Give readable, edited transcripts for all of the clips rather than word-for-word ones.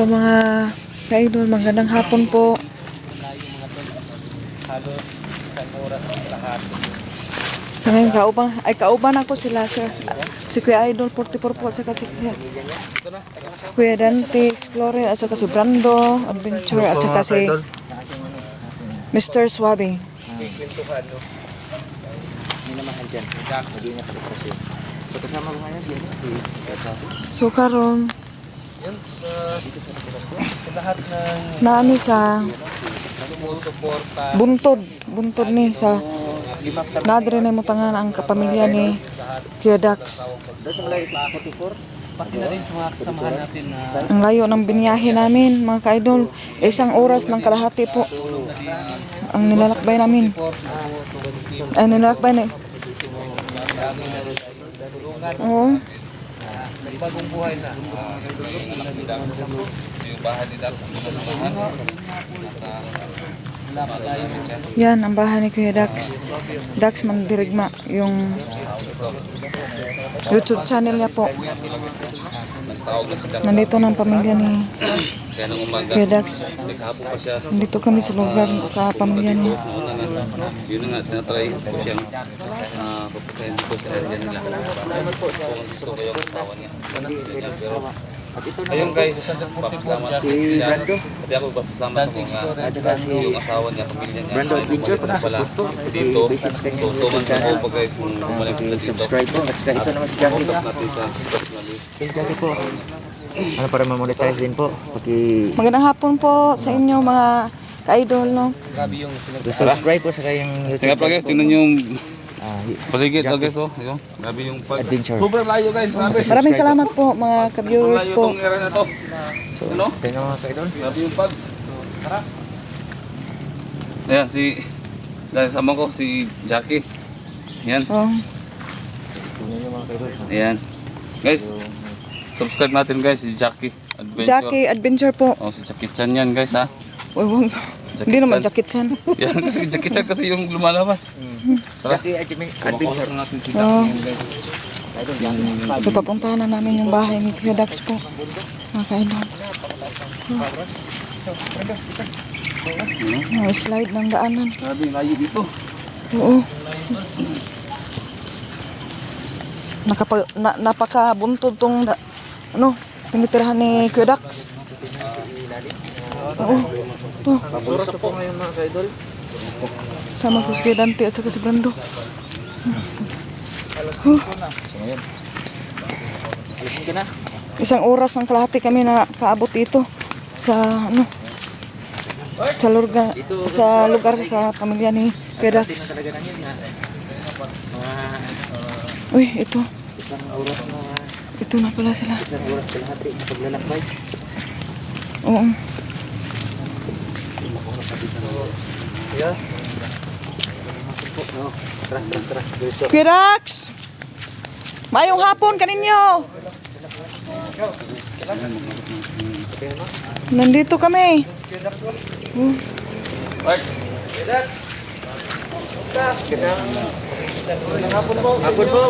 po mga ka-idol, magandang hapon po. Halos isang oras ang lahat. Sa ngayon, kauban ako sila sir. Si Kuya Idol 44 po at saka si Kuya Dante Explorer at saka si Brando Adventure at saka si Mr. Swabe. Kwentuhan, no? Hindi naman andyan. Hindi niya pagkakasyon. So, kasama ko ngayon, So karon yun, sa lahat ng naani sa sumusuporta, buntod ni sa nadre na mo tangan ang kapamilya ni Kuya Dax. doon sa malay pa 44, pati na rin sa mga kasamahan natin na Ang layo ng binyahe namin mga ka-idol. Isang oras ng kalahati po ang nilalakbay namin. Ang nilalakbay na. Oo. bagong buhay na. Yung bahay ni Dax ang kasamahan. Yan ang bahay ni Kuya Dax. Dax Mandirigma, yung YouTube channel niya po. Nandito ng pamilya ni Kuya Dax. Nandito kami sa lugar sa pamilya niya. Yun nga, tinatry ko siyang papukayin ko sa area nila. Kung gusto ko yung asawa niya. Ayun guys, papasalamat si Brando. Pati ako papasalamat sa mga yung asawa niya, pamilya niya. Brando Adventure pa nasa puto. Dito, tutuman sa ko pag guys kung bumalik sila dito. Subscribe po. At saka ito naman si Jackie. Focus natin sa personally. Thank Jackie po. Ano para ma-monetize din po. Pati Magandang hapon po sa inyo mga ka-idol, no? subscribe po sa kayong Tingnan pa guys, tingnan yung paligid Jackie. guys, oh. Ayun, grabe yung pag... Adventure. Sobrang layo guys, grabe. Maraming salamat po mga ka-viewers Layo po. tong area na to. Ano? Tingnan mga kaidol. Grabe yung pags. Ayan, dahil sama ko si Jackie. Ayan, Oh, Tingnan nyo mga kaidol. ayan. Guys, subscribe natin guys si Jackie Adventure. Jackie Adventure po. Oh, si Jackie Chan yan guys ha. Uy, wag. Hindi naman jacket yan. Yan kasi Jackie Chan kasi yung lumalabas. Tara, Jackie Adventure. kumakusap natin si Oh, Jackie guys. Kaidol, Jackie. ito papuntahan na namin yung bahay ni Kuya Dax po. Mga ka-idol. Oh, slide ng daanan. Grabe yung layo dito. Oo. Napakabuntod tong tinitirahan ni Kuya Dax. Oo. To, Oras na po ngayon mga kaidol. sama ko si Kuya Dante at saka si Brando. Alisin ka na. Isang oras ng kalahati kami na kaabot dito sa sa lugar sa pamilya ni Kuya Dax. Talaga na yun na. Uy, ito. Isang oras na. Ito na pala sila. Isang oras kalahati. Paglalakbay. Oo. Yeah. Tara. Dito. Kuya Dax! Mayong hapon kaninyo! Nandito kami. Hapon po.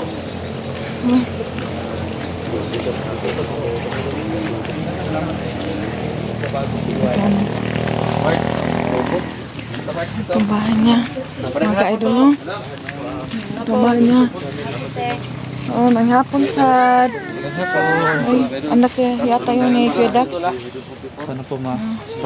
Ito ang bahay niya. Mga ka-idol, no? Ito ang bahay niya. Oh, nanghapon sa... Ay, anak yata yun ni Kuya Dax. Sana po ma.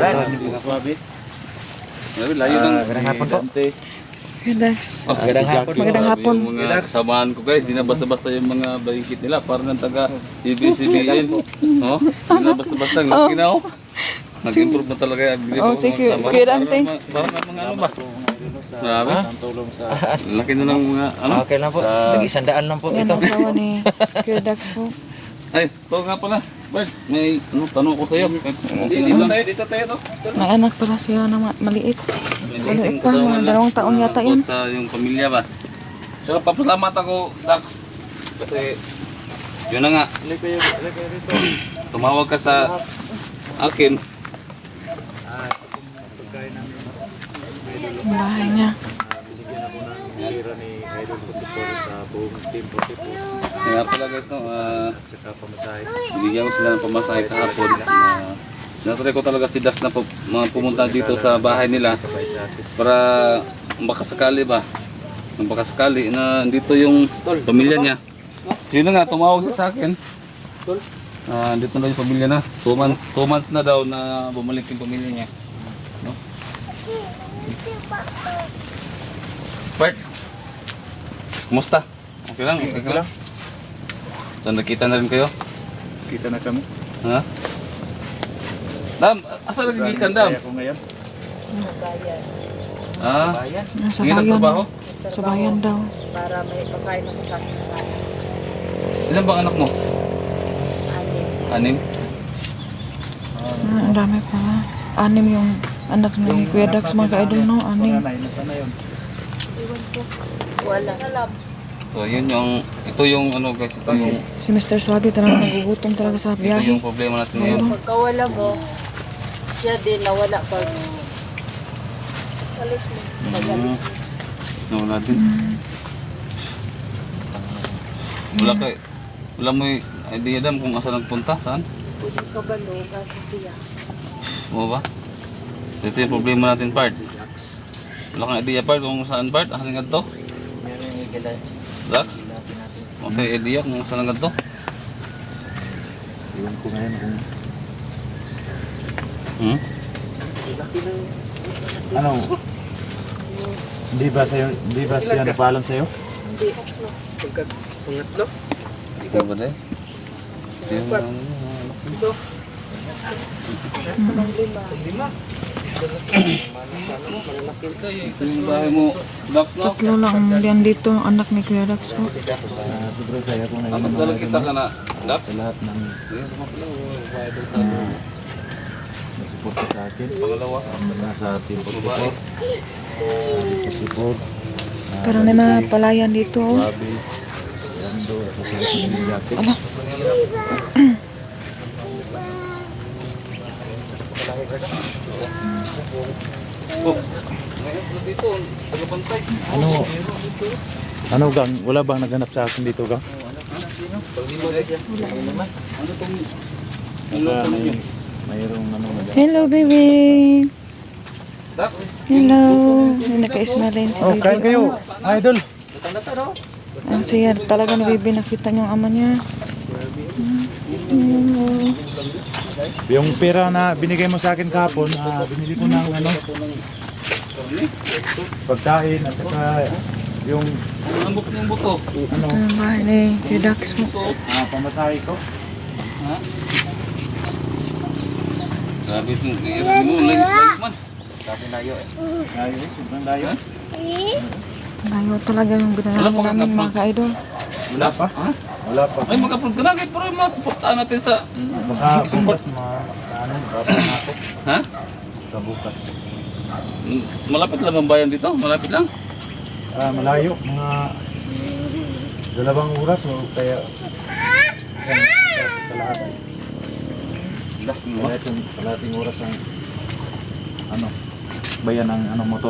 Grabe, layo ng... Magandang hapon po. Kuya Dax. Magandang hapon. Magandang hapon. Yung mga kasamahan ko guys, di na basta-basta yung mga balikit nila. Parang ng taga ABCBN. Oh, di na basta-basta. Laki na oh. Nag-improve na talaga yung ability Oh, ko, si mga Kuya kasamahan. Dante. Parang mga ano ba? Grabe. Laki na ng mga ano. Okay lang po. Nag-isandaan lang po Yan ito. ang asawa ni Kuya Dax po. Ay, ito nga pala. Bert, may tanong ko sa'yo. Dito tayo to. May anak pala siya na maliit. Maliit pa, mga 2 taon yata yan. Sa yung pamilya ba? So, papasalamat ako, Dax. Kasi, yun na nga. Tumawag ka sa akin. Ang bahay niya. Kaya pala guys, no, bigyan ko sila ng pamasahe kahapon. Natry ko talaga si Dax na pumunta dito sa bahay nila para makasakali ba. Makasakali na dito yung pamilya niya. Yun na nga, tumawag siya sa akin. Dito na yung pamilya na. 2 months na daw na bumalik yung pamilya niya. No? Bert, kumusta? Okay lang, okay ka lang. So nakita na rin kayo? Kita na kami. Ha? Dam, asa lagi gikan Dam? Saya ko ngayon. Nasa Hindi bayan. nagtrabaho? Sa bayan daw. Para may pagkain ako sa akin. Ilan bang anak mo? Anim? Ang dami pa. 6 yung anak ni Kuya Dax, mga ka-idol, no? 6. Panganay, nasaan na yun? Wala. So yun yung, ito yung ano guys, ito yung, Si Mr. Swabi talaga nagugutom talaga sa ito biyahe. yung problema natin ngayon. Pagkawala mo, siya din nawala pag alis mo. Nawala din. Wala mo yung idea Dam kung asa nagpunta, saan? Pwede ka ba no, kasi siya. Oo ba? So, ito yung problema natin part. Wala kang idea part kung saan part, asan nga to? Dax? Okay, idea kung saan nga to? Iwan ko ngayon kung Hmm? ano. Hindi ba siya nagpaalam sa'yo? Hindi. Ikaw ba din? Ito yung bahay mo, Dax, no? 3 lang yan dito, ang anak ni Kuya Dax po. Sobrang saya ko ngayon. Dapat talaga kita ka na, Dax? Sa lahat ng nagsuporta sa akin. Pangalawa. Sa team support. Support. Pero may mga palayan dito, oh. Babi. Yando. At sa Jackie. Oh, ngayon dito, tagapantay. Ano gang? Wala bang naghanap sa akin dito gang? Ano tong Mayroong ano Hello, baby! Dax? Hello! May naka-ismailin si Oh, baby. kain kayo, idol. Ang siya talaga ni baby, nakita niyo ang ama niya. Yung pera na binigay mo sa akin kahapon, binili ko ng ano, pagkain at saka yung Ang lambot ng buto. ano, Ito yung bahay ni Kuya Dax po. pamasahe ko. Ha? Grabe itong i-review mo, like man. Sabi layo eh. Layo eh, sobrang layo. Layo talaga yung binayaran Wala pa namin, kang mga ka-idol. Wala pa? Ha? Wala pa. Ay, mag-upload ka na. Kahit pero masuportaan natin sa... Baka bukas ano, baka na ako. Ha? Sa bukas. Malapit lang ang bayan dito? Malapit lang? Malayo, mga 2 oras o kaya kalahati. Kalahating oras ang ano, bayan ng ano motor.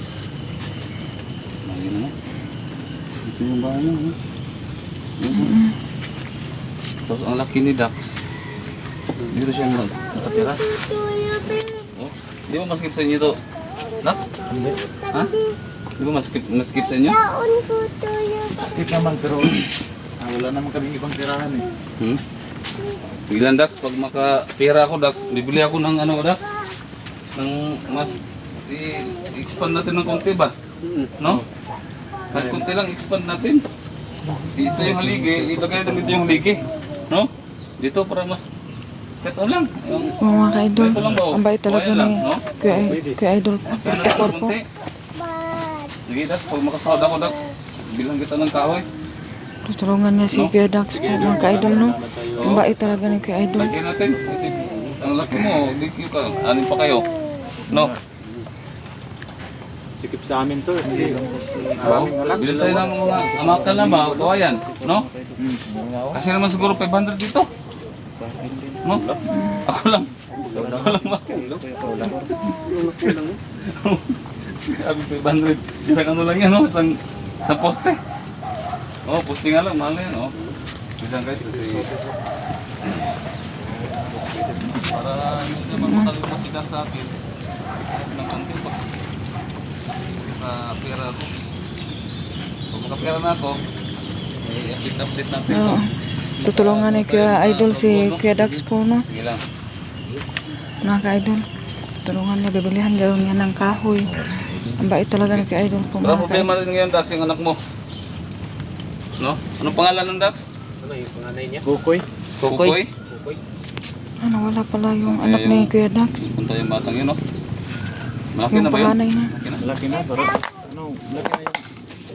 Ayun mo. Ito yung bayan mo. Tapos ang laki ni Dax. Dito siya nakatira. Oh, di ba maskip sa inyo ito? Dax? Hindi. Ha? Di ba maskip sa inyo? Skip naman pero wala naman kaming ibang tirahan eh. Hmm? Bilang Dax, pag makapira ako Dax, bibili ako ng ano Dax? Ng mas i-expand natin ng konti ba? No? Kahit konti lang expand natin. Dito yung haligi, ilagay natin dito yung haligi. No? Dito para mas kahit ano lang. Yung, Oo, mga ka-idol. ito lang ba? Ang bait talaga Kuya lang, ni no? Kuya Idol po. Kaya natin ng konti. Sige Dax, pag makasahod ako Dax, bilang kita ng kahoy. Tutulungan niya si Kuya Dax po, mga ka-idol, no? Ang bait talaga ni Kuya Idol. Lagyan natin. Kasi ang laki mo, di ka, anin pa kayo. No? Sikip sa amin to. Oo. Bilhin tayo ng mga amakal na ba, kawayan, no? Kasi naman siguro 500 dito. No? Ako lang. Ako lang ba? Sabi 500. Isang ano lang yan, no? Isang poste. Oh, poste nga lang, mahal na yan, oh. Isang guys. Para hindi naman matagal makita sa akin. Ng konti pa. Pera ako. Kung makapera na ako, update natin ito. Oo. Tutulungan ni Kuya Idol si Kuya Dax po, no? Sige lang. Mga ka-idol. Tulungan niya, bibilihan daw niya ng kahoy. Ang bait talaga ni Kuya Idol po, Wala mga problema ka-idol. rin ngayon, Dax, yung anak mo. No? Anong pangalan ng Dax? Bukoy. Kukoy? Ano, wala pala yung anak ni Kuya Dax. Punta yung batang yun, no? Malaki Yung na ba yun? panganay na. Malaki na. Laki na, pero ano, laki na yung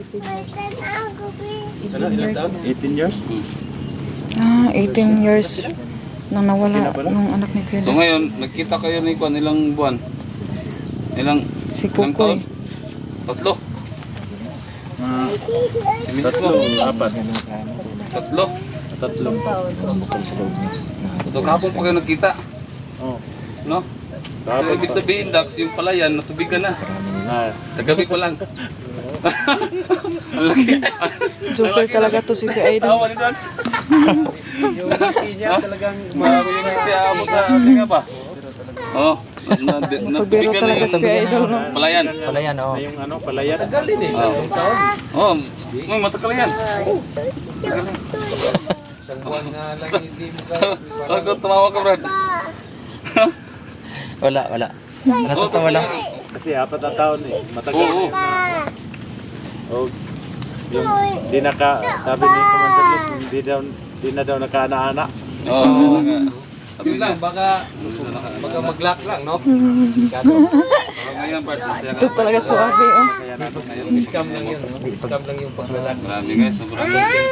18 years? Ah, 18 years nang nawala yung anak ni Kuya So Dax. ngayon, nagkita kayo ni Kwan, ilang buwan? Ilang Si ilang Kukoy. taon? Tatlo. Tatlo, apat. Tatlo. Tatlo. So kahapon pa kayo nagkita, Oh. no? So, ibig sabihin, Dax, yung palayan, natubigan na. Ah, Kagabi pa lang. Ang laki. Joker talaga to si Kuya Idol. Tawa ni Dax. Yung laki niya talagang marami yung nagtiya mo sa ating nga ba? Oo. Pagbiro talaga si Kuya Idol, no? Palayan. palayan, oh. Na yung ano, palayan. Oo. May matagal yan. Isang buwan nga lang hindi mo Bakit tumawa ka, Brad? Wala. Natatawa lang. Kasi 4 na taon eh. Matagal. Oo. Oh, yung sabi ni Commander Luz, hindi na daw nakaana-ana. Oo. Sabi lang. Baka mag-lock lang, no? Ngayon, Brad, masaya Ito ka. talaga suwabe, oh. Kaya natin Scam lang yun, no? scam lang yung paglalak. Marami guys, sobrang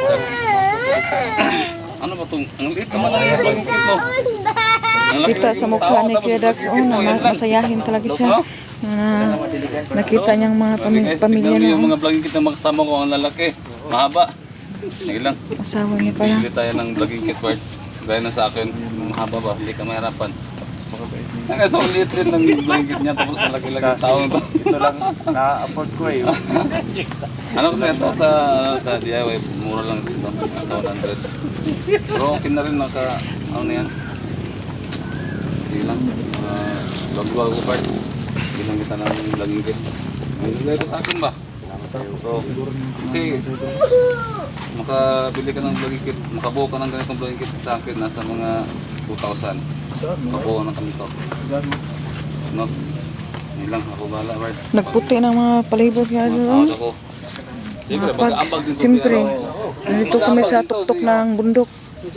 ano ba itong, ang liit naman ang pagkikit mo. Ang laki Kita ng sa mukha tao, ni tapos Kuya Dax, oh, pagkikit mo, na yan lang. masayahin talaga siya. Na nakita niyang mga Grabe guys, pamilya tignan niyo na, yung oh. mga vlogging kit na makasama ko, ang lalaki. Mahaba. Sige lang, Asawa niya pala. bili tayo ng vlogging kit part. Gaya na sa akin, mahaba ba, hindi ka mahirapan. Kasi ang liit rin ng vlogging kit niya, tapos malaki-laki ang tao ito. Ito lang na-afford ko eh. Ano kasi ito sa DIY, mura lang dito, nasa 100. Pero okay na rin, ano na yan. Sige lang, vlog ko part. Hindi lang kita ng vlogging kit. Ang gagawin ko sa akin ba? So, kasi makabili ka ng vlogging kit, makabuo ka ng ganitong vlogging kit sa akin, nasa mga 2,000. Makabuo na kami ito. No? Hindi lang, ako bala, right? Nagputi ng mga palibot nga doon. Masahod ako. Siyempre, Pags, mag-aambag din sa siyempre. piyano. Nandito kami sa tuktok ng bundok.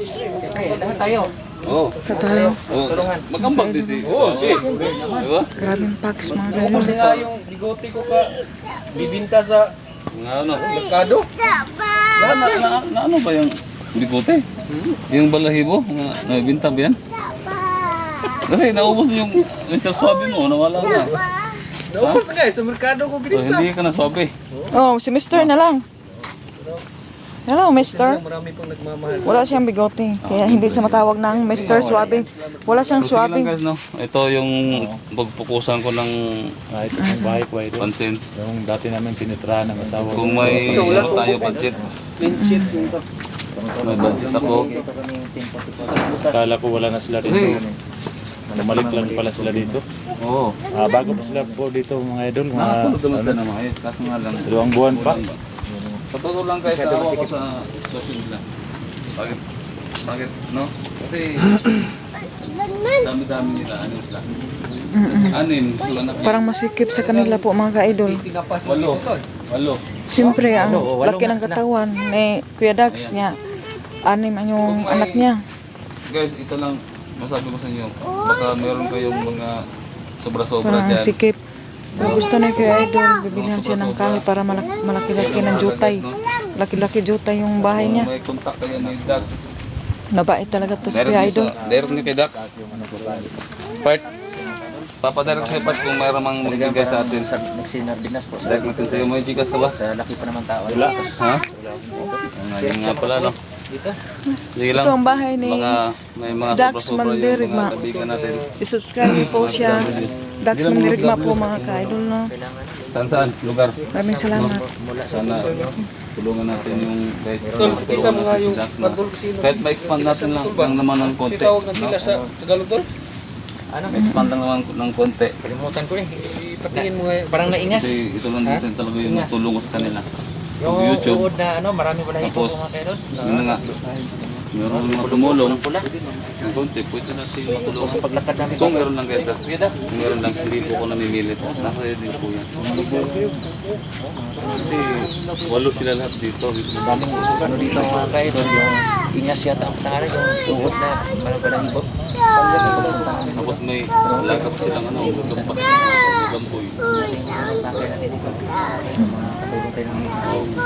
Oo. Sa tayo. Oh, mag-ambag din si. Oo, diba? Grabing packs, mga ganun. nga yung bigote ko ka bibinta sa Nga ano? merkado. Na ano ba yung bigote? Yung balahibo? Nabinta ba yan? Kasi naubos na yung Mr. Swabe mo, nawala na. Naubos na guys, sa merkado ko So, binita. hindi ka na swabe. Oh, si Mr. na lang. Hello, Mr. Marami pong nagmamahal. Wala siyang bigote. Kaya hindi siya matawag ng Mr. Suabe. Wala siyang So, sige lang suabe. guys, no? Ito yung pagpukusan ko ng Ito yung bahay ko ito. pansin. Yung dati namin tinitrahan ng asawa ko. Kung may ano tayo budget, Clean sheet yung to. may budget ako. Kala ko wala na sila dito. Bumalik lang pala sila dito. Oo. Bago pa sila po dito mga idol. Nakapulot naman Mga ka na maayos. Kaso nga lang. 2 buwan pa. Sa totoo lang kahit tawa ko sa sitwasyon nila. Bakit? No? Kasi dami-dami nila. Ano sila? Anim. Wala na. Parang masikip sa kanila po, mga ka-idol. 8. Siyempre, ang laki ng katawan ni Kuya Dax niya. Anim ang yung anak niya. Guys, ito lang masabi ko sa inyo. Baka meron kayong mga sobra-sobra Parang ang dyan. sikip. Kung gusto na Kuya Idol, bibilihan siya ng kahoy para malaki-laki ng jutay. Laki-laki jutay yung bahay niya. May contact kayo ni Dax. Nabait talaga to si Meron Kuya niyo Idol. sa direct niyo kay Dax. Part. Papadirect kayo part kung mayroon mang magbigay sa atin. Nagsinardinas po. Direct natin sa'yo. May Gcash ka ba? Sa laki pa naman tao. Wala. Ha? Ngayon nga pala, no? Sige lang. Ito ang bahay ni Baka may mga Dax sobra-sobra yung Mandirigma. mga kaibigan natin. I-subscribe niyo po siya. Dax Mandirigma po, mga ka-idol, no? Saan? Lugar. Maraming salamat. Sana tulungan natin yung guys. Kita mo nga yung kahit ma-expand natin lang naman ng konti. No? sa Tagalog doon? Ano? expand lang naman ng konti. Kalimutan ko eh. Ipatingin mo eh. Parang naingas. Kasi ito lang din talaga yung Ingas. tulong ko sa kanila. Yung YouTube. uod na ano, marami pala ito Tapos, mga kaidol. yun na nga. Meron mga tumulong. Pula. Yung konti, pwede natin matulungan. Sa paglakad namin. Kung meron lang guys, kung meron lang, hindi po ako namimilit. Nasa din po yan. Kasi walo sila lahat dito. Daming ano dito mga kaidol. Yung ingas yata ang pangalan. Yung uod na parang palang ibot. Tapos may lagap silang ano, gampak. Gampoy. Nakaya natin ito. Katulong tayo ng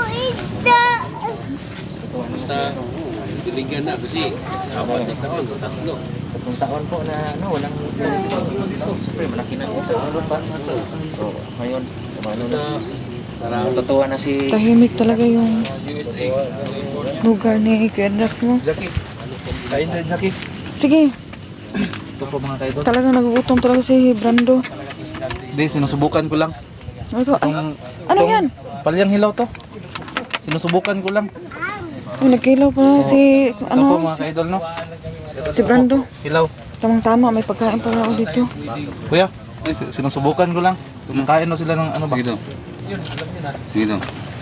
Basta, silingan na kasi apat na taon, tatlo. 3 taon po na ano, walang siyempre malaki na ito. So, ngayon, ano na, parang totoo na si Tahimik talaga yung USA. lugar ni Kuya Dax mo. Jackie. Kain din, Jackie. Sige, Ito po mga kaidol. talagang nagugutom talaga si Brando. Hindi, sinusubukan ko lang. Ano to? Ay, ano yan? Palyang hilaw to. Sinusubukan ko lang. Ay, nagkilaw pa si, Ito po ano, mga kaidol, no? si Brando. Hilaw. Tamang-tama, may pagkain pala ako dito. Kuya, sinusubukan ko lang. Kumakain na sila ng ano ba? Sige daw. Sige daw.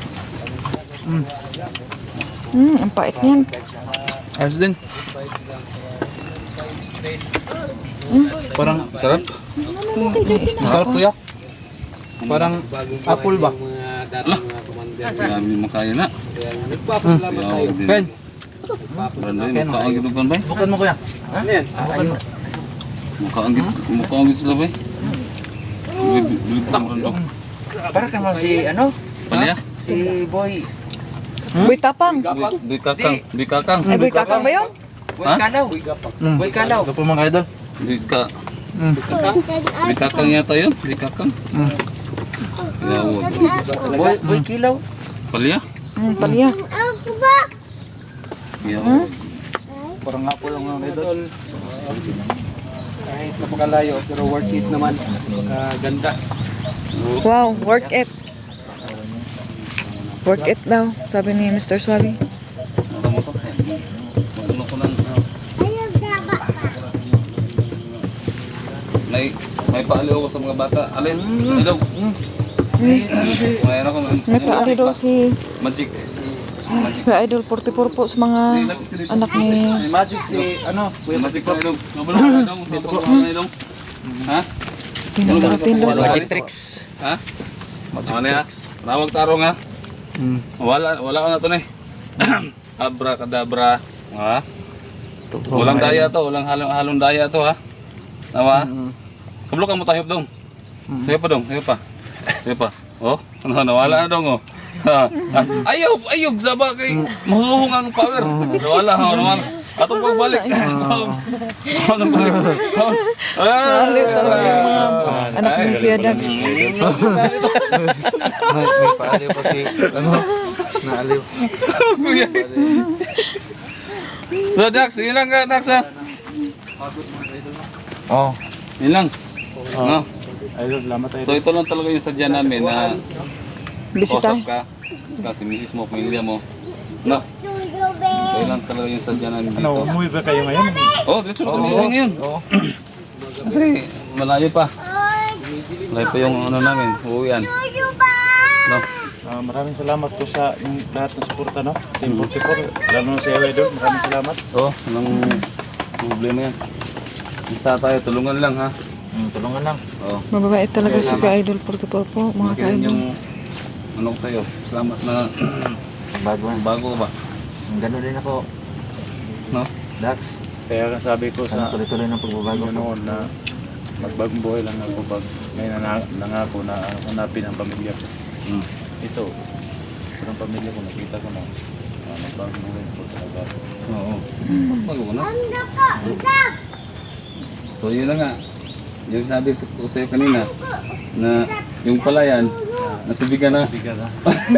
Ang pait niyan. Ayos din. Parang Sarap? masarap kuya. Parang apple ba? Marami makaya na. Friend, Brandoy, makaangit ng kan ba? bukan mo kuya. Ha? Makaangit sila ba? Bilig pa Brando. Para kang si ano? Palya? Si Boy. Boy Tapang. Boy kakang. Boy kakang. Ay, Boy Kakang ba yun? Boy Kalaw. Boy Kalaw. Ito po mga kaidol. Boy ka. Boy kakang yata yun. Boy kakang. Yawag. Boy Kilaw. Palya? Palya. Yawag. Parang nga po lang mga kaidol. Kahit napakalayo pero worth it naman. Ganda. Wow, work it. Work it daw, sabi ni Mr. Suavi. Ano mo to? Matuno ko ng... May paaliw ako sa mga bata. Alin? Ilaw. Mayroon ako. May paali daw si Magic. Kuya Idol 44 po sa mga anak ni... May magic si ano, Kuya Magic na ilong. Nabalo ka ilong. Nabalo ka ilong. Ha? Tinatindog. Magic tricks. Ha? Ano ya? Nawag tarong ha? Wala ko na ito na eh. Abracadabra. Ha? Walang daya to. Walang halong daya to ha? Nawa? Kablo ka mo tayo dong. Sayo pa dong. Sayo pa. Sayo pa. Oh? Nawala na dong oh. Ayaw saba kay mahuhungan ng power. Nawala. Atong pagbalik. Atong balik. Naalit talaga yung mga anak ni Kuya Dax. may paaliw pa si ano, naaliw. So Dax, ilang ka Dax ha? Oh. Ilang. No? Idol, salamat tayo. So ito lang talaga yung sadya namin na Bisita. kausap ka. Kasi misis mo, pamilya mo. No? So yun lang talaga yung sadya namin dito. Ano, umuwi ba kayo ngayon? Oh, diretso na kami ngayon. Kasi malayo pa. Malayo pa yung ano namin, uuwian. No? Maraming salamat po sa yung lahat ng suporta, no? Team 44, lalo na sa Idol, maraming salamat. Oh, walang problema yan. Isa tayo, tulungan lang ha. Tulungan lang. Oh. Mababait talaga si Kuya Idol 44 po, mga Makinig ka-idol. yung ano ko sa'yo. Salamat na bago ka ba? Gano'n din ako. No? Dax. Kaya sabi ko sa Tuloy-tuloy ng pagbabago. noon na magbagong buhay lang ako pag may nangako na hanapin ang pamilya ko. Ito, ang pamilya ko, nakita ko na magbagong buhay ko talaga. Oo. Bago ka na. So yun na nga. Yung sabi ko sa'yo kanina na yung palayan, natubigan na. Bigat ha?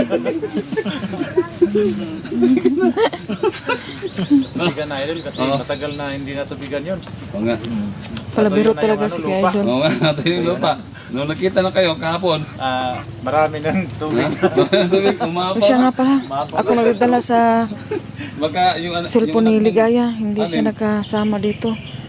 Tubigan na Idol kasi matagal na hindi natubigan yun. Oo nga. Palabiro talaga si Kuya Idol. Oo nga, ito yung lupa. Nung nakita na kayo kahapon, Marami ng tubig. tubig, O umapaw. siya nga pala, ako nagdala sa Baka yung ano, cellphone ni yung anak mo- Ligaya, hindi siya nakasama dito.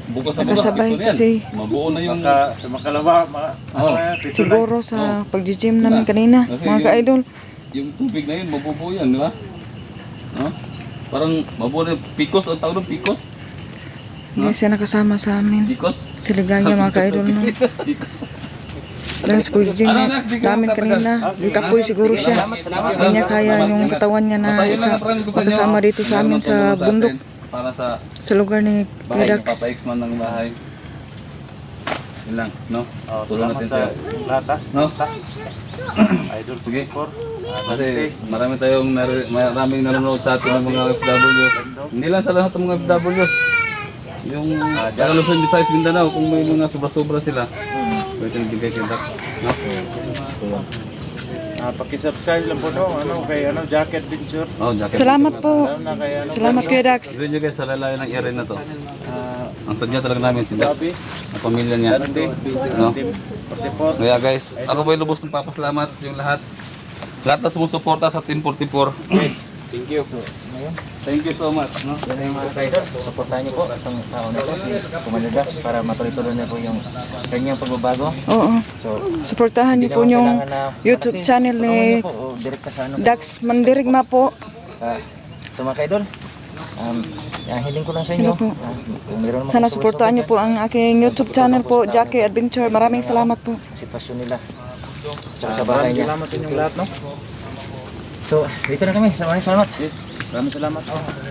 bukas na bukas. Nakasabay ito na yan. kasi Mabuo na yung... Sa makalawa, Oo. siguro sa pag-gym namin kanina, Kasi mga yung- ka-idol. Yung tubig na yun, mabubuo yan, di ba? No? Parang mabuo na yung pikos, ang tawag ng pikos? Hindi siya nakasama sa amin. Pikos? Si Ligaya, mga ka-idol no. Pikos. Lang sa pag-gym namin kanina. Di kapoy siguro siya. Hindi niya kaya yung katawan niya na isa makasama dito sa amin sa bundok. Para sa Sa lugar ni bahay Kuya ng Dax. Papa X-Man ng bahay. Yun lang, no? Tulungan Salamat natin sa siya. lahat ha. No? Idol Sige. for. Kasi marami tayong maraming nanonood sa ating mga FW. Hindi lang sa lahat ng mga FW. Yung taga Luzon, Visayas, Mindanao, kung may mga sobra-sobra sila, pwede nabigay kay Dax. No? Paki-subscribe lang po no, kay Jacket Adventure. Oh, jacket. Salamat po. Lalo na kay Salamat Kuya Dax. Sabihin nyo guys, sa lalayan ng area na to. Ang sadya talaga namin si Dax. Gabi, Ang pamilya niya. No? Team 44. Kaya guys, ako po ay lubos ng papasalamat yung lahat. Lahat na sumusuporta sa Team 44. Thank you. Thank you so much. No? Yan yung mga kaidol. Suportahan niyo po itong tao na ito, si Commander Dax, para matuloy-tuloy na po yung kanyang pagbabago. Oo. So, Suportahan niyo po yung YouTube channel ni direkta sa ano. Dax Mandirigma po. So mga kaidol, ang hiling ko lang sa inyo. Ano po? Kung meron naman Sana kayong suportahan niyo po ang aking YouTube channel po, Jackie Adventure. Maraming salamat po. sitwasyon nila. Tsaka sa bahay niya. Salamat sa inyong lahat no. So, dito na kami. Maraming salamat. Maraming salamat.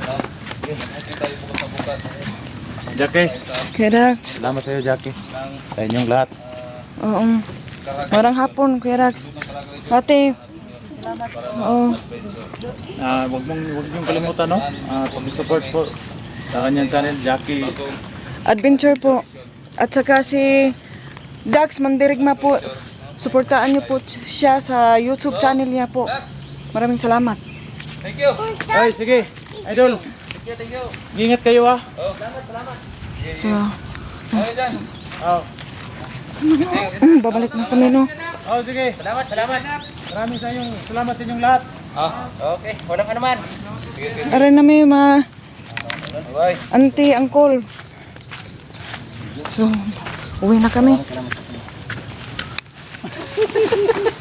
Jackie, Kuya Dax. salamat sa iyo Jackie. Sa inyong lahat. Oo. Marang hapon, Kuya Dax. Ate. Oo. Wag niyong kalimutan no. Pag-support po sa kanyang channel Jackie. Adventure po. At saka si Dax Mandirigma po. Suportaan niyo po siya sa YouTube channel niya po. Maraming salamat. Thank you. Ay, sige. Idol. Thank you. Ingat kayo ha. So, Okay dyan. Oh. babalik na kami no. Oh, sige. Salamat. Maraming salamat sa inyong lahat. Okay, walang anuman. Aray na may mga Bye. auntie, uncle. So, uwi na kami.